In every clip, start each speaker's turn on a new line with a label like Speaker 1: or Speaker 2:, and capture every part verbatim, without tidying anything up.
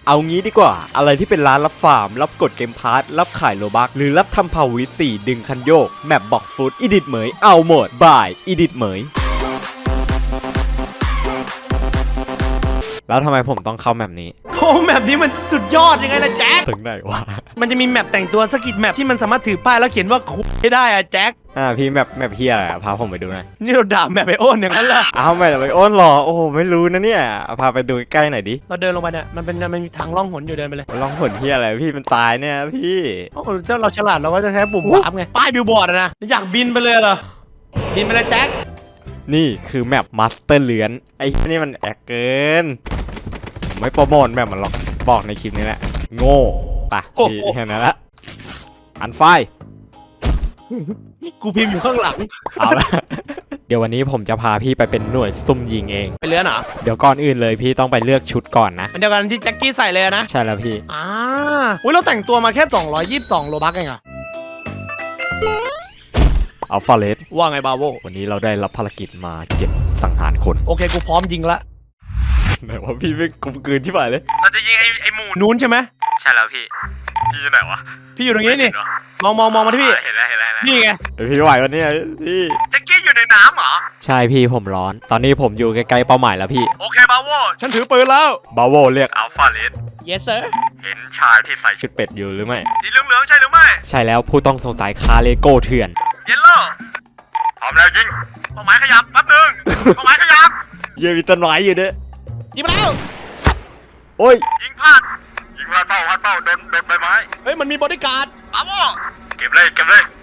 Speaker 1: เอางี้ดีกว่าอะไรที่เป็นร้านรับฟาร์มรับกดเกมพาร์ทรับขายโลบักหรือรับทำพาวิสี่ดึงคันโยกแมปบอกฟุตอีดิทเหมยเอาหมดบายอีดิทเหมยแล้วทำไมผมต้องเข้าแมปนี้
Speaker 2: โอ้แมปนี้มันสุดยอดยังไงล่ะแจ็ค
Speaker 1: ถึงไหนวะ
Speaker 2: มันจะมีแมปแต่งตัวสกิดแมปที่มันสามารถถือป้ายแล้วเขียนว่าคุยให้ได้อะแจ็ค
Speaker 1: อ่าพี่แมปแมปเฮียอะไรพาผมไปดูหน่อย
Speaker 2: นี่เราด่าแมปไอโอนอย่างนั้นเหรอ
Speaker 1: อ้าวแมปไอโอนหรอโอ้โหไม่รู้นะเนี่ยพาไปดูใกล้หน่อยดิ
Speaker 2: เราเดินลงไปเนี่ยมันเป็นมันมีทางล่องหนอยู่เดินไปเลย
Speaker 1: ล่องหนเฮียอะไรพี่มันตายเนี่ยพี่
Speaker 2: โอ้ถ้าเราฉลาดเราก็จะใช้ปุ่มวาร์ปไงป้ายบิลบอร์ดนะอยากบินไปเลยเหรอบินไปเลยแจ็ค
Speaker 1: นี่คือแมปมาสเตอร์เลือนไอ้นี่มันแอกเกินไม่โปรโมทแมปมันหรอกบอกในคลิปนี้แหละโง่ปะพี่แค่นั้นละอันไฟ
Speaker 2: กูพิมพ์อยู่ข้างหลัง
Speaker 1: เอาละเดี๋ยววันนี้ผมจะพาพี่ไปเป็นหน่วยซุ่มยิงเอง
Speaker 2: ไปเลือนเหรอ
Speaker 1: เดี๋ยวก่อนอื่นเลยพี่ต้องไปเลือกชุดก่อนนะ
Speaker 2: มันเดียวกันที่แจ็คกี้ใส่เลยนะ
Speaker 1: ใช่แล้วพี่
Speaker 2: อ่าอุ้ยเราแต่งตัวมาแค่สองร้อยยี่สิบสองโลบักเองอะ
Speaker 1: อัลฟาเลส
Speaker 2: ว่าไงบาโว
Speaker 1: วันนี้เราได้รับภารกิจมาเก็บสังหารคน
Speaker 2: โอเคกูพร้อมยิงละ
Speaker 1: ไหนว่าพี่ไม่กลมกลืนที่ไหนเลย
Speaker 2: เราจะยิงไอ้ไอ้หมูนู้นใช่ไหม
Speaker 1: ใช่แล้วพี่พี่อยู่ไหนวะ
Speaker 2: พี่อยู่ตรงนี้นี่มองมองมองมาที่พี่
Speaker 1: เห็นแล้วเห็นแล้ว
Speaker 2: นี่ไง
Speaker 1: พี่ไหววันนี้พี่
Speaker 2: แจ็คกี้อยู่ในน้ำเหรอ
Speaker 1: ใช่พี่ผมร้อนตอนนี้ผมอยู่ใกล้ๆเป้าหมายแล้วพี่
Speaker 2: โอเคบาโวฉันถือปืนแล้ว
Speaker 1: บาโวเรียกอัลฟาเลส
Speaker 2: yes sir
Speaker 1: เห็นชายที่ใส่ชุดเป็ดอยู่หรือไม่
Speaker 2: สีเหลืองๆใช่หรือไม่
Speaker 1: ใช่แล้วผู้ต้องสงสัยคาเลโก้เถื่อน
Speaker 2: เยลโล่พร้อมแล้วยิงเป้าหมายขยับแป๊บนึงเป้าหมายขยับ
Speaker 1: เยี่ยมีต้นไม้อยู่ด้วย
Speaker 2: ยิงไปแล้ว
Speaker 1: โอ้ย
Speaker 2: ยิงพลาดยิงพลาดเป้าพลาดเป้าโดนโดนใบไม้เฮ้ยมันมีบอดี้การ์ดบาโวเก็บเลยเก็บเลย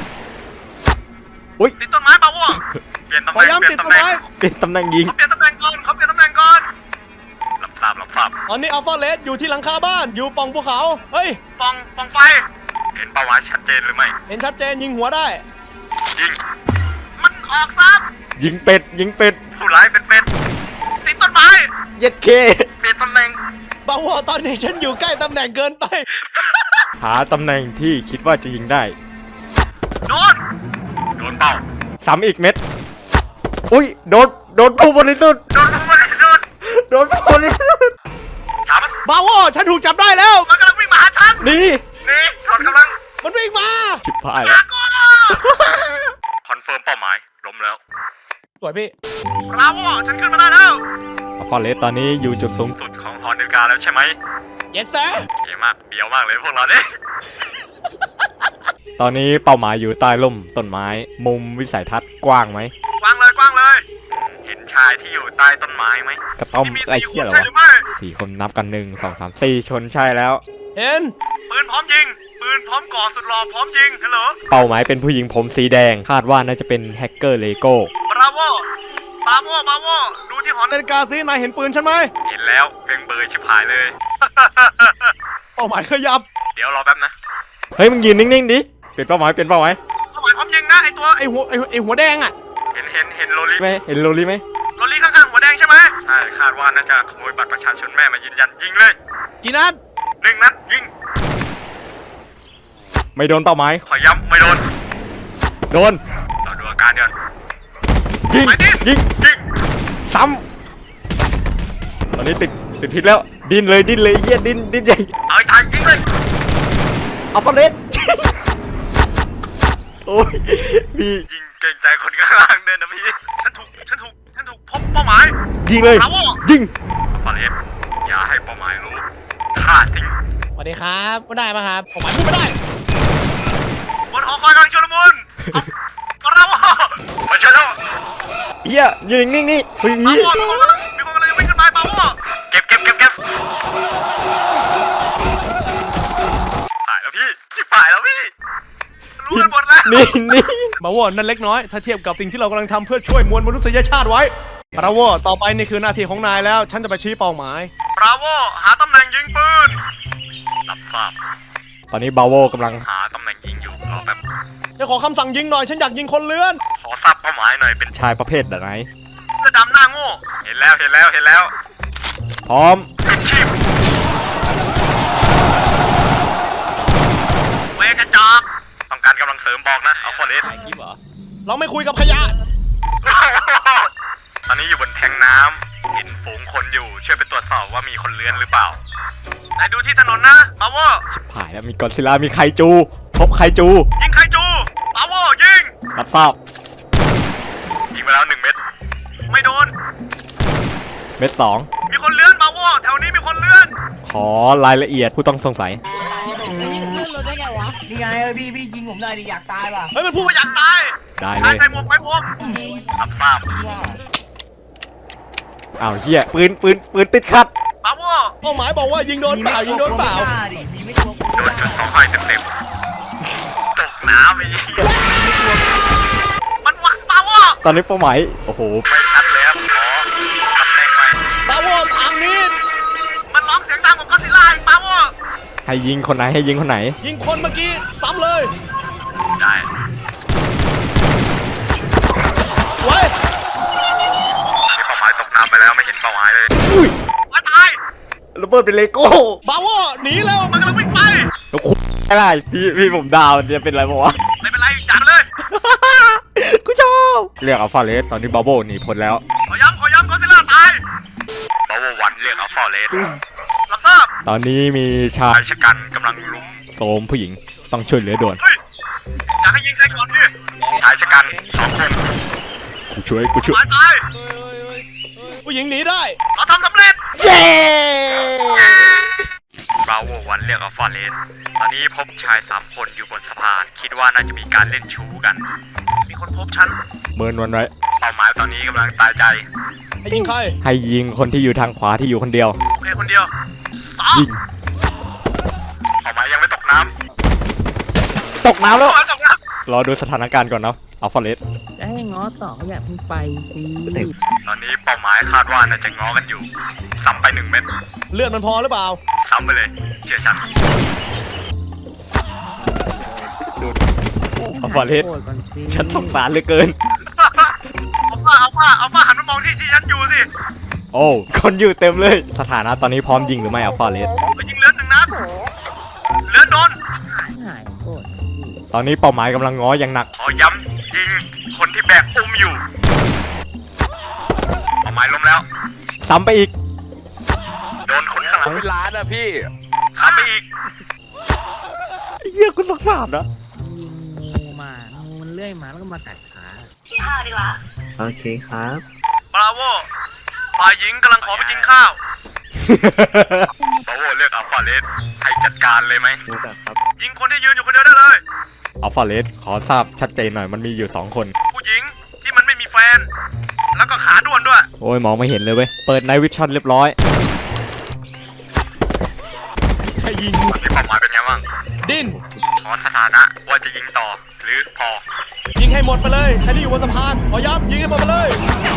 Speaker 1: อุ้ย
Speaker 2: ติดต้นไม้บาโวเปลี่ยนตำแหน่งเปลี่ยนตำแหน่ง
Speaker 1: เปลี่ยนตำแหน่งยิง
Speaker 2: เขาเปลี่ยนตำแหน่งก่อนเขาเปลี่ยนตำแหน่งก่อนรับทราบรับทราบตอนนี้อัลฟาเลสอยู่ที่หลังคาบ้านอยู่ปล่องภูเขาเฮ้ยปล่องปล่องไฟเห็นเป้าหมายชัดเจนหรือไม่เห็นชัดเจนยิงหัวได้ยิงมันออกซับ
Speaker 1: ยิงเป็ดยิงเป็ด
Speaker 2: ผู้ร้ายเป็นเป็ดติดต้นไม้
Speaker 1: เย็ดเค
Speaker 2: เปลี่ยนตำแหน่งบางว่าตอนนี้ฉันอยู่ใกล้ตำแหน่งเกินไป
Speaker 1: หาตำแหน่งที่คิดว่าจะยิงได้
Speaker 2: โดนโดนเป้า
Speaker 1: ซ้ำอีกเม็ดอุ้ยโดนโดนผู้บริสุทธิ์
Speaker 2: โดนผู้บริสุทธิ์
Speaker 1: โดนผู้บริสุทธิ์
Speaker 2: บาโวฉันถูกจับได้แล้วมันกำลังวิ่งมาหาฉัน
Speaker 1: นี่
Speaker 2: นี่ถอนกำลังมันวิ่งมา
Speaker 1: ชิบหายแล้ว
Speaker 2: คอนเฟิร์มเป้าหมายล้มแล้วสวยพี่บาโวฉันขึ้นมาได้แล้ว
Speaker 1: ฟอเรสตอนนี้อยู่จุดสูงสุด
Speaker 2: ของหอนาฬิกาแล้วใช่ไหม yes sir เยี่ยมมากเบียวมากเลยพวกเราเนี่ย
Speaker 1: ตอนนี้เป้าหมายอยู่ใต้ร่มต้นไม้มุมวิสัยทัศน์กว้างไหม
Speaker 2: กว้างเลยกว้างเลยเห็นชายที่อยู่ใต้ต้นไม้ไหม
Speaker 1: กระต้อมไอ้เหี้ยเหรอวะสี่คนนับกันหนึ่งสองสามสี่ชนใช่แล้ว
Speaker 2: เห็นปืนพร้อมยิงปืนพร้อมก่อสุดหล่อพร้อมยิงฮัลโหล
Speaker 1: เป้าหมายเป็นผู้หญิงผมสีแดงคาดว่าน่าจะเป็นแฮกเกอร์เลโก้
Speaker 2: บราโวบาโวบาโวดูที่หอนาฬิกาซินายเห็นปืนฉันไหมเห็นแล้วเพ่งเบยชิบหายเลยเป้าหมายขยับเดี๋ยวรอแป๊บนะ
Speaker 1: เฮ้ยมึงยืนนิ่งๆดิเปลี่ยนเป้าหมายเปลี่ยนเป้าหมาย
Speaker 2: เป้าหมายพร้อมยิงนะไอตัวไอหัวไอไอหัวแดงอ่ะเห็นเห็นเห็นโรลี่
Speaker 1: ไหมเห็นโรลี่ไหม
Speaker 2: โรลี่ข้างๆหัวแดงใช่ไหมใช่คาดว่าน่าจะขโมยบัตรประชาชนแม่มายืนยันยิงเลยกี่นัดหนึ่งนัดยิง
Speaker 1: ไม่โดนเป้าหมาย
Speaker 2: ขอย้ำไม่โดน
Speaker 1: โดน
Speaker 2: เราดูอาการเดี๋ยว
Speaker 1: ยิงยิงยิงซ้ำตอนนี้ติดติดพิษแล้วดิ้นเลยดิ้นเลยเยี่ยดิ้นดิ้นใหญ่
Speaker 2: เอาตายยิงเลย
Speaker 1: อัลฟาเรสโอ้ยพี่
Speaker 2: ยิงเก่งใจคนข้างล่างเดินนะพี่ฉันถูกฉันถูกฉันถูกพบเป้าหมาย
Speaker 1: ยิงเลยยิง
Speaker 2: อัลฟาเรสอย่าให้เป้าหมายรู้ฆ่าทิ้งสวัสดีครับไม่ได้ป่ะครับเป้าหมายพูดไม่ได้บนหอคอยกำลังชุลมุนบราโวมาช่วยแล้ว
Speaker 1: เฮียยืนนิ่งๆนี่เฮ้ยมี
Speaker 2: คนมีคนกำลังวิ่งขึ้นไปบาโวเก็บเก็บเก็บเก็บตายแล้วพี่ตายแล้วพี่รู้กันหมดแล้ว
Speaker 1: นี่นี่
Speaker 2: บาโวนั่นเล็กน้อยถ้าเทียบกับสิ่งที่เรากำลังทำเพื่อช่วยมวลมนุษยชาติไว้บราโวต่อไปนี่คือหน้าที่ของนายแล้วฉันจะไปชี้เป้าหมายบราโวหาตำแหน่งยิงปืนรับทราบ
Speaker 1: ตอนนี้บาโวกำลัง
Speaker 2: หาตำแหน่งยิงอยู่รอแป๊บจะขอคำสั่งยิงหน่อยฉันอยากยิงคนเลื้อนขอทราบเป้าหมายหน่อยเป็น
Speaker 1: ชายประเภทไหน
Speaker 2: เสื้อดำหน้าโง่เห็นแล้วเห็นแล้วเห็นแล้ว
Speaker 1: พร้อม
Speaker 2: ปิดชีพเวกระจอกต้องการกำลังเสริมบอกนะเอาฟอเรสเราไม่คุยกับขยะตอนนี้อยู่บนแทงน้ำ
Speaker 1: เห็นฝูงคนอยู่ช่วยไปตรวจสอบว่ามีคนเลื้อนหรือเปล่า
Speaker 2: ไหนดูที่ถนนนะปาโว
Speaker 1: ผ่านแล้วมีกอดซิลล่ามีไคจู พบไคจู
Speaker 2: ยิงไคจูปาโวยิง
Speaker 1: รับทราบยิงไปแล้วหนึ่งเม็ด
Speaker 2: ไม่โดน
Speaker 1: เม็ดสอง
Speaker 2: มีคนเลื่อนปาโวแถวนี้มีคนเลื่อน
Speaker 1: ขอรายละเอียดผู้ต้องสงสัย
Speaker 3: นี่ไงเออพี่พี่ยิงผมหน่อยดิอยากตายป่ะ
Speaker 2: เฮ้ยมันพูดว่าอยากตาย
Speaker 1: ได้เล
Speaker 2: ชาย
Speaker 1: ย
Speaker 2: ใส่หมวกไว้พวก
Speaker 1: รับทราบอ้าวเฮียปืนปืนปืนติดขัด
Speaker 2: ปาโวเป้าหมายบอกว่ายิงโดนเปล่ายิงโดนเปล่า
Speaker 3: ดิมีไม่ตัว
Speaker 1: โดนจุดสองไฟเต็มเต็มตกน้ำไป
Speaker 2: มันหวังปาโว
Speaker 1: ตอนนี้เป้าหมายโอ้โหไม่ชัดเลยครับขอตำแหน่งไว้
Speaker 2: ปาโวทางนี้มันร้องเสียงดังกว่าก็อดซิลล่าอีกปาโว
Speaker 1: ให้ยิงคนไหนให้ยิงคนไหน
Speaker 2: ยิงคนเมื่อกี้ซ้ำเลย
Speaker 1: ได้
Speaker 2: ไว้
Speaker 1: นี่เป้าหมายตกน้ำไปแล้วไม่เห็นเป้าหมายเลย
Speaker 2: อุ้ยตายตาย
Speaker 1: ระเบิดเป็นเลโก้
Speaker 2: ปาโวหนีเร็วมันกำลังวิ่งไป
Speaker 1: แล้วคุอะไรพี่พี่ผมดาวมันจะเป็นอะไรบ้วะ
Speaker 2: ไม่เป็นไรจัดเลย
Speaker 1: กูชอบเรียกอัลฟาเลสตอนนี้บาโบหนีพ้นแล้ว
Speaker 2: ขอย้ำขอย้ำก็อดซิลล่าตาย
Speaker 1: บาโบวันเรียกอัลฟาเลส
Speaker 2: รับทราบ
Speaker 1: ตอนนี้มีชายชะกันกำลังลุมโสมผู้หญิงต้องช่วยเหลือด่วน
Speaker 2: เฮ้ยอยากให้ยิงใครก่อนดิ
Speaker 1: ชายชะกันสองคนกูช่วยกูช่วย
Speaker 2: ตายตายผู้หญิงหนีได้เราทำสำเร็จ
Speaker 1: เย้บาโววันเรียกอัลฟาเลสตอนนี้พบชายสามคนอยู่บนสะพานคิดว่าน่าจะมีการเล่นชู้กัน
Speaker 2: มีคนพบฉัน
Speaker 1: เมินวันไว้เป้าหมายตอนนี้กำลังตายใจ
Speaker 2: ให้ยิงใคร
Speaker 1: ให้ยิงคนที่อยู่ทางขวาที่อยู่คนเดียว
Speaker 2: โอเคคนเดียวสาม
Speaker 1: ยิงเป้าหมายยังไม่ตกน้ำตกน้ำแล้ว
Speaker 2: สองนะ
Speaker 1: รอดูสถานการณ์ก่อนเนาะอัลฟาเลส
Speaker 3: จะให้ง้อต่อก็อยากเพิ่งไปสิ
Speaker 1: ตอนนี้เป้าหมายคาดว่าน่าจะง้อกันอยู่ซ้ำไปหนึ่งเม็ด
Speaker 2: เลือดมันพอหรือเปล่า
Speaker 1: ซ้ำไปเลยเชื่อฉันอัลฟาเลส
Speaker 3: โกรธก่อนสิ
Speaker 1: ฉันสงสารเหลือเกิน
Speaker 2: เอาฟ้าเอาฟ้าเอาฟ้าหันมามองที่ที่ฉันอยู่สิ
Speaker 1: โอ้คนอยู่เต็มเลย สถานะตอนนี้พร้อมยิงหรือไม่อัลฟาเลส
Speaker 2: ไปยิงเลือดหนึ่งนัดเลือดโดน
Speaker 3: หายโกรธ
Speaker 1: ตอนนี้เป้าหมายกำลังง้ออย่างหนักขอย้ำยิงคนที่แบกอุ้มอยู่เป้าหมายล้มแล้วซ้ำไปอีกโดนคนข้างหลัง
Speaker 4: เป็นล้านอะพี่
Speaker 1: ซ้ำไปอีกเหี้ยคุณสงสารนะ
Speaker 3: ยิงงูมางูมันเลื่อยมาแล้วก็มากัดขา
Speaker 5: โอเคครับ
Speaker 2: บราโวฝ่ายหญิงกำลังขอไปกินข้าว
Speaker 1: บาโวเลือกอัลฟาเลสให้จัดการเลยไหม
Speaker 5: รู้จักครับ
Speaker 2: ยิงคนที่ยืนอยู่คนเดียวได้เลย
Speaker 1: อัลฟาเลสขอทราบชัดเจนหน่อยมันมีอยู่สองคน
Speaker 2: ผู้หญิงที่มันไม่มีแฟน แล้วก็ขาด้วนด้วย
Speaker 1: โอ้ยมองไม่เห็นเลยเว้ยเปิดไนท์วิชั่นเรียบร้อย
Speaker 2: ให้ยิง
Speaker 1: ตอนนี้เป้าหมายเป็นไงบ้าง
Speaker 2: ดิ้น
Speaker 1: ขอสถานะว่าจะยิงต่อหรือพอ
Speaker 2: ยิงให้หมดไปเลยใครที่อยู่บนสะพานขอย้ำยิงให้หมดไปเลย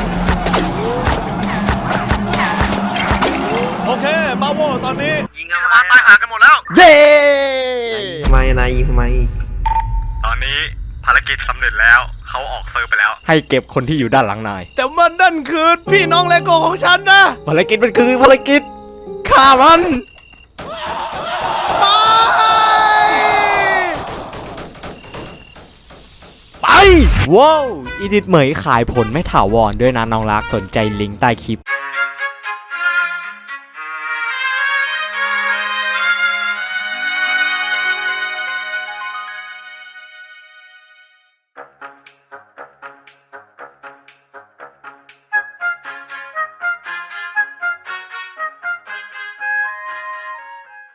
Speaker 2: โอเคบราโวตอนนี้ยิงสะพานตายหากันหมดแล้ว
Speaker 1: เย้
Speaker 5: ทำไมนายยิงทำไม
Speaker 1: ตอนนี้ภารกิจสำเร็จแล้วเขาออกเซิร์ฟไปแล้ว ให้เก็บคนที่อยู่ด้านหลังนาย
Speaker 2: แต่มันนั่นคือพี่น้องเลโก้ของฉันนะ
Speaker 1: ภารกิจมันคือภารกิจฆ่ามัน ไป ว้าว อีดิทเหมยขายผลไม่ถาวรด้วยนะน้องรักสนใจลิงก์ใต้คลิป